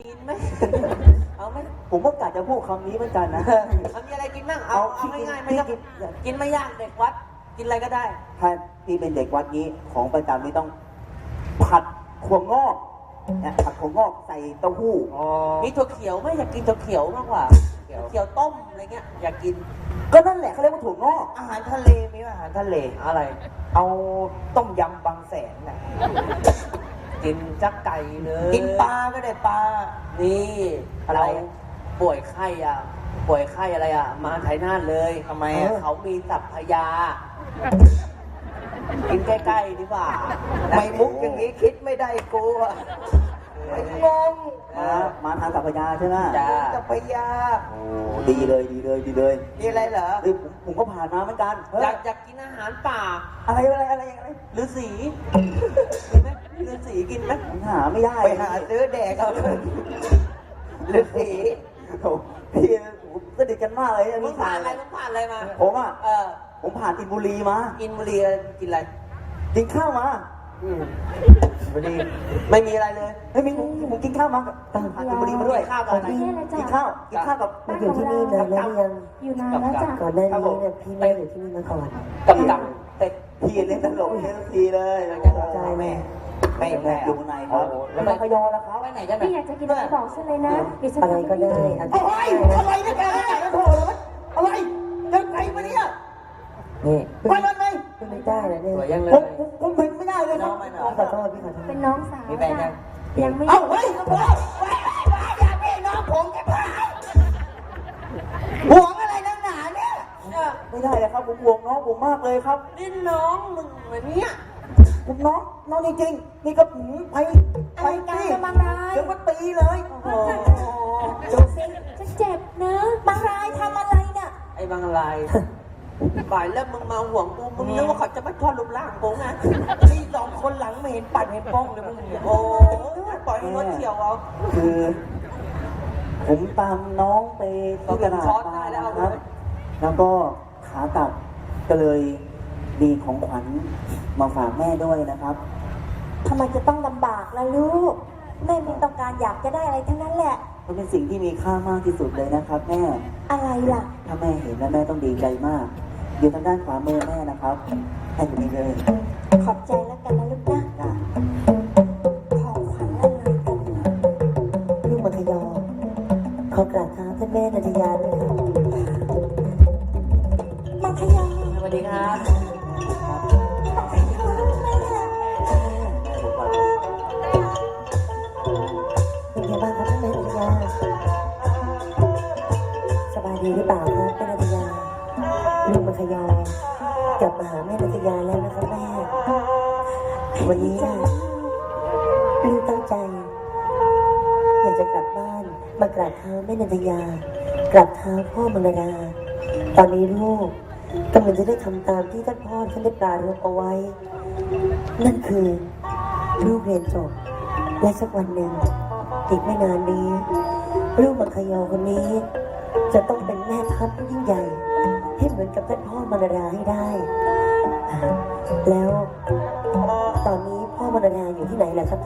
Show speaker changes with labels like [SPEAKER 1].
[SPEAKER 1] กินไหมเอาไหม
[SPEAKER 2] ผมก็กะจะพูดคำนี้เหมือนกันนะ
[SPEAKER 1] เอามีอะไรกินบ้างเอาง่ายๆไม่ต้องกินไม่ยากเด็กวัดกินอะไรก็ได้
[SPEAKER 2] ถ้าพี่เป็นเด็กวัดนี้ของประจำนี่ต้องผัดถั่วงอกนะผัดถั่วงอกใส่เต้าหู้
[SPEAKER 1] มีถั่วเขียวไหมอยากกินถั่วเขียวมากกว่าเขียวต้มอะไรเงี้ยอยากกิน
[SPEAKER 2] ก็นั่นแหละเขาเรียกว่าถั่วงอก
[SPEAKER 3] อาหารทะเลมีไหมอาหารทะเล
[SPEAKER 1] อะไร
[SPEAKER 3] เอาต้มยำบางแสนน่ะ
[SPEAKER 1] กินจักไก่เลย
[SPEAKER 3] กินปลาก็ได้ปลา
[SPEAKER 1] นี่เราป่วยไข้อะไรอ่ะมาไทยน่านเลย
[SPEAKER 3] ทำไมอ่ะ
[SPEAKER 1] เขามีสัพพยา กินใกล้ๆดีกว่า
[SPEAKER 3] ไม่มุกอย่างนี้คิดไม่ได้กูอ่ะไอ้งง
[SPEAKER 2] มาทางสัพพยาใช่ไหม
[SPEAKER 1] จ้า
[SPEAKER 3] จะไปยา
[SPEAKER 2] โอ้ดีเลยดีเลยดีเลย
[SPEAKER 3] มีอะไรเหรอ
[SPEAKER 2] เฮ้ยผมก็ผ่านมาเหมือนกันเฮ้ย
[SPEAKER 1] อยากกินอาหารป่า
[SPEAKER 2] อะไรอะไร
[SPEAKER 1] ฤาษีกินไหมฤาษีกินไหม
[SPEAKER 2] ผมหาไม่ได้
[SPEAKER 3] ไปหาซื้อแดกเอาเลยฤาษี
[SPEAKER 2] โอ้พี่ผมสนิทกันมากเลย
[SPEAKER 1] มึงผ่านอะไรมา
[SPEAKER 2] ผมอ่ะ
[SPEAKER 1] ผม
[SPEAKER 2] ผ่านอินบุรีมา
[SPEAKER 1] กินบุรีกินอะไร
[SPEAKER 2] กินข้าวมา
[SPEAKER 1] บุรีไม่มีอะไรเลย
[SPEAKER 2] เฮ้ยมีผมกินข้าวมาผ่านอินบุรีมาด้วย
[SPEAKER 1] ข้าวกับอะไร
[SPEAKER 2] กินข้าวกับ
[SPEAKER 4] มาอยู่ที่นี่นานแล้วหรือยัง
[SPEAKER 5] อยู่นานแล้วจ้ะ
[SPEAKER 4] ก่อนหน้านี้เนี่ยพี่แม่อยู่ที่นี่มาก่อน
[SPEAKER 1] กับเต็ด
[SPEAKER 2] พี่เล่นตลกเล่นทีเลย
[SPEAKER 4] ใจแม่
[SPEAKER 2] ไม่แม่อยู่ในครับแล้วก็พยอแล้วครับ
[SPEAKER 1] ไปไหนกัน
[SPEAKER 5] พี่อยากจะกินอะไรบอกฉันเลยนะเดี๋ยวฉัน
[SPEAKER 4] อะไร
[SPEAKER 5] ทำให้
[SPEAKER 4] ก็ได้
[SPEAKER 5] พี่
[SPEAKER 4] อัน
[SPEAKER 2] อะไรเนี่ยแกโถ่เลยอะไรยังไงมาเนี่ย
[SPEAKER 4] นี่
[SPEAKER 2] ไปมันไหม
[SPEAKER 4] ไม่ได้นะเนี่ย
[SPEAKER 1] สวยยังเลย
[SPEAKER 2] ผมเป็นไม่ได้เลยครับ
[SPEAKER 4] พี่ขอโทษพี่ขอโทษ
[SPEAKER 5] เป็นน้องสาว
[SPEAKER 1] มีแฟนยัง
[SPEAKER 5] ยังไม่
[SPEAKER 2] เอ้าเฮ้ยอย่าพี่น้องผมจะพาห่วงอะไรนักหนาเนี่ยไม่ได้เลยครับผมห่วงน้องผมมากเลยครับ
[SPEAKER 1] นี่น้องมึงเหมือนเนี้ย
[SPEAKER 2] ผมน้องจริงๆนี่ก็ไปตีเดี๋ยวก็ตีเลย
[SPEAKER 1] โอ้โห
[SPEAKER 5] ดูสิฉันเจ็บนะบางรายทำอะไรเนี่ย
[SPEAKER 1] ไอ้บางลายบ่ายแล้วมึงมาห่วงกูมึงนึกว่าเขาจะมาทอดรูปร่างกูไง
[SPEAKER 3] นี่สองคนหลังไม่เห็นปัดเห็นป้องเลยมึงเนี่ย
[SPEAKER 1] โอ้ปล่อยให้รถเที่ยวเอา
[SPEAKER 2] คือ ผมตามน้องไปที่ตลาดมานะครับ แล้วก็ขากลับก็เลยมีของขวัญมาฝากแม่ด้วยนะครับ
[SPEAKER 5] ทำไมจะต้องลำบากล่ะลูกแม่ไม่ต้องการอยากจะได้อะไรทั้งนั้นแหละ
[SPEAKER 2] มันเป็นสิ่งที่มีค่ามากที่สุดเลยนะครับแม่
[SPEAKER 5] อะไรล่ะ
[SPEAKER 2] ถ้าแม่เห็นแล้วแม่ต้องดีใจมาก อยู่ทางด้านขวามือแม่นะครับแค่อยู่นี่เลย
[SPEAKER 5] ขอบใจแล้วกันนะลูกนะ
[SPEAKER 2] จ้ะ
[SPEAKER 5] ของขวัญอะไรกันนะ
[SPEAKER 4] ลูกมัธยมขอกราบเท้าท่านแม่นันทยาด้วยค่ะ
[SPEAKER 5] มัธยม
[SPEAKER 1] สวัสดีครับ
[SPEAKER 4] เป็นไงบ้างครับท่านแม่นันทยาสบายดีหรือเปล่าครับแม่นันทยาลูกมัธยมกลับมาหาแม่นันทยาแล้วนะครับแม่วันนี้นะลูกตั้งใจ อยากจะกลับบ้านมากราบเท้าแม่นันทยากราบเท้าพ่อมรดาตอนนี้ลูกกำลังจะได้ทำตามที่ท่านพ่อท่านได้ปรารภเอาไว้ นั่นคือลูกเรียนจบและสักวันหนึ่งอีกไม่นานนี้ ลูกมังคยอคนนี้ จะต้องเป็นแม่ทัพที่ยิ่งใหญ่ ให้เหมือนกับท่านพ่อมรดาให้ได้ แล้วตอนนี้พ่อมรดาอยู่ที่ไหนล่ะครับ